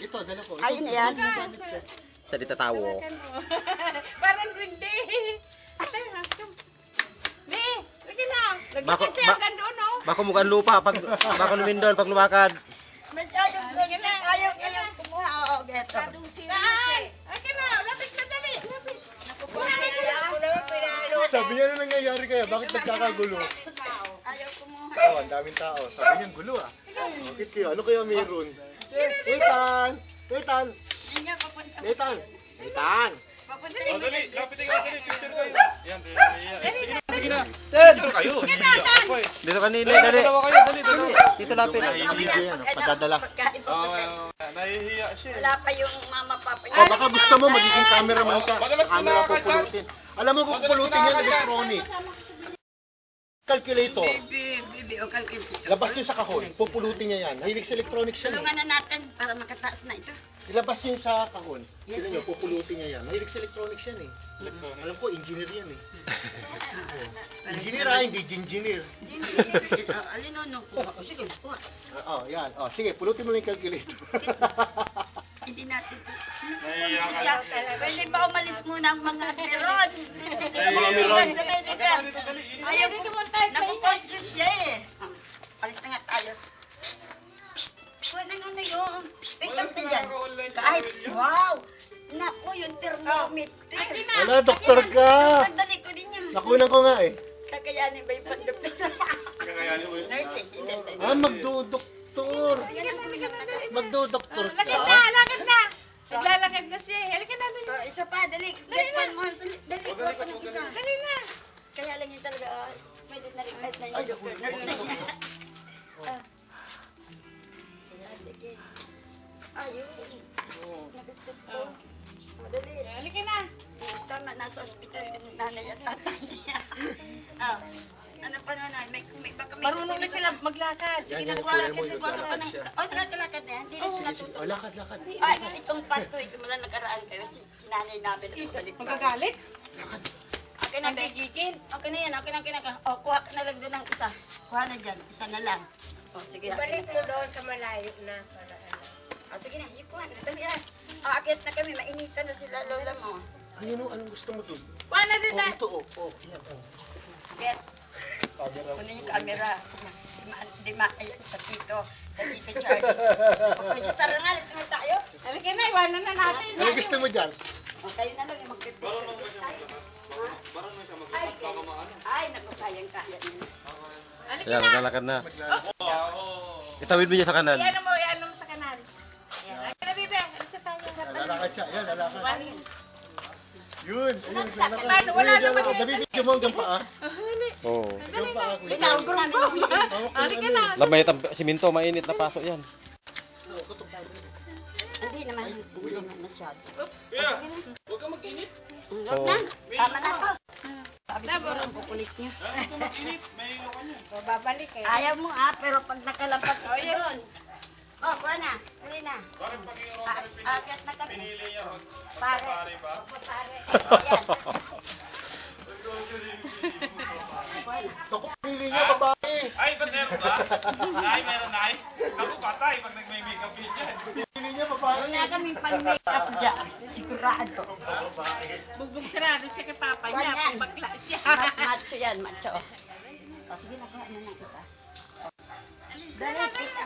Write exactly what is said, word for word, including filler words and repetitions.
Ito, dala ko. Ayun yan. Sa di tatawo. Parang hindi. Ate, hasam. Di, lagi na. Lagi Bako- kasi ba- hanggang doon, oh. Bako mukhang lupa pag bako lumindol pag lumakad. May ayaw, ayaw, ayaw, ayaw kumuha. Oo, geto. Saan? Lagi na, lapit na dali. Lapit. Sabi niya na nangyayari kaya, bakit nagkakagulo? Ayaw kumuha. Oh, ang daming tao. Sabi niya, gulo ah. Bakit kaya? Ano kaya meron? Nathan! Nathan! Nathan! Nathan! Papunta O, dali, lapitin ka, dali, picture kayo. Yan, dali, yan. Sige na. Picture kayo. Ako eh. Dito kanila, dali. Dalawa kayo, dali, dalawa. Dito lapit. Video yan, oh, padadala. Pagkain Oo, po. nahihiya siya eh. Wala pa yung mama papa Oh, baka gusto mo magiging cameraman ka. Madalas Camera kinakanta. pupulutin. Alam mo kung pupulutin yan, electronic. Calculator. Bibi, bibi, o calculator. Labas niyo sa kahon. Pupulutin niya yan. Mahilig sa electronics yan eh. Tulungan na natin para makataas na ito. Ilabas niyo sa kahon. Tignan niyo, pupulutin niya yan. Mahilig sa electronics yan eh. Alam ko, engineer yan eh. Engineer ah, hindi engineer. Alin o, no, kuha ko. Sige, kuha. Oo, yan. Oh, sige, pulutin mo lang yung calculator. Hindi natin. Nahihiya ka. Siya, pwede ba umalis muna ang mga meron? Mga meron. Sa medical. Ayaw ko, naku-conscious siya eh. Ah, alis na nga tayo. Kuha na nga na yun. Pick up na dyan. Kahit, wow! Naku, yung thermometer. Wala, doktor ka. Pagdali ko din yan. Nakunan ko nga eh. Kakayanin ba yung pandoktor? Kakayanin mo yun. Nursing, hindi. hindi. Ah, magdodoktor. Magdodoktor ka. Lakad na, lakad na. Naglalakad na siya. Halika na, dali. Oh, isa pa, dali. Get one more. Dali, dali. Kuha ko ng isa. Dali na. Kaya lang yun talaga, ah, pwede na rin kahit na yung doctor. Nurse na niya. Ah. Ayan, sige. Ayun. Nagusto ko. Oh, dali. Halika na. Tama, nasa ospital yung nanay at tatay niya. Ah. Ano pa nanay? May, may, baka may Marunong na sila maglakad. Yan, Sige yan, na, kuya mo, Kasi kuha ka pa ng isa. Oh, nakakalakad na yan. Hindi na sila Sige, sige. tutulog. Oh, lakad, lakad. Ay, itong pasto, ito mo lang nakaraan kayo. Si, si nanay namin. Balik pa. magagalit. Okay na, gigigil. Okay na yan, okay na, okay na. O, kuha ka na lang doon ng isa. Kuha na dyan, isa na lang. O, sige. Balik mo doon sa malayo na. O, sige na, yung kuha na. Dali na. O, akit na kami, mainitan na sila lola mo. Ayun, oh, anong gusto mo dun? Kuha na rin Oh, tayo. ito, oh. Oh, yan, oh. Get. Camera. Kunin yung camera. Di ma, di ma, ayan, sa tito. Sa tito Charlie. O, kung siya tara nga, alis naman tayo. Halika na, iwanan na natin. Ano gusto mo dyan? O, kayo na lang yung mag-prepare. Ay, ay, naku, kayang-kaya nila. Halika Yan, na. naglalakad na. Itawid mo niya sa kanan. Iyan mo, iyan mo sa kanal. Ayan. Halika na, Bibe. Isa tayo. Lalakad siya. Yan, lalakad. Wali. Yun, ayun, lalakad. Paano? Wala Ayun, naman lalakad. yan. Nabibigyan mo hanggang paa. Oo. Hanggang paa, kuya. Tinawag namin yung video. Halika na. Lamay ang siminto, mainit na paso yan. Hindi naman, hindi naman masyado. Oops. Kuya, huwag ka mag-init. Huwag na, tama na to. Sabi siguro ang kukulit niyo. Huwag ka mag-init. May ilo ka niya. Babalik eh. Ayaw mo ah, pero pag nakalampas ko yun. Oh, kuha na. Dali na. Parang pag yung Ah, Agat na kami. pinili niya, huwag Pare. pare ba? Opo, pare. Ayan. Naku, pinili niya, babae. Ay, ba't meron ba? Ay, meron na ay. Ako patay pag nag-may-makeup yun yan. Pinili niya, babae. Wala kaming pang-makeup dyan. Sigurado. Bugbog sarado siya kay papa niya. Ganyan. Pagpakla siya. Ma- Macho yan, macho. O, sige na, kuha na ng isa. Dali, pick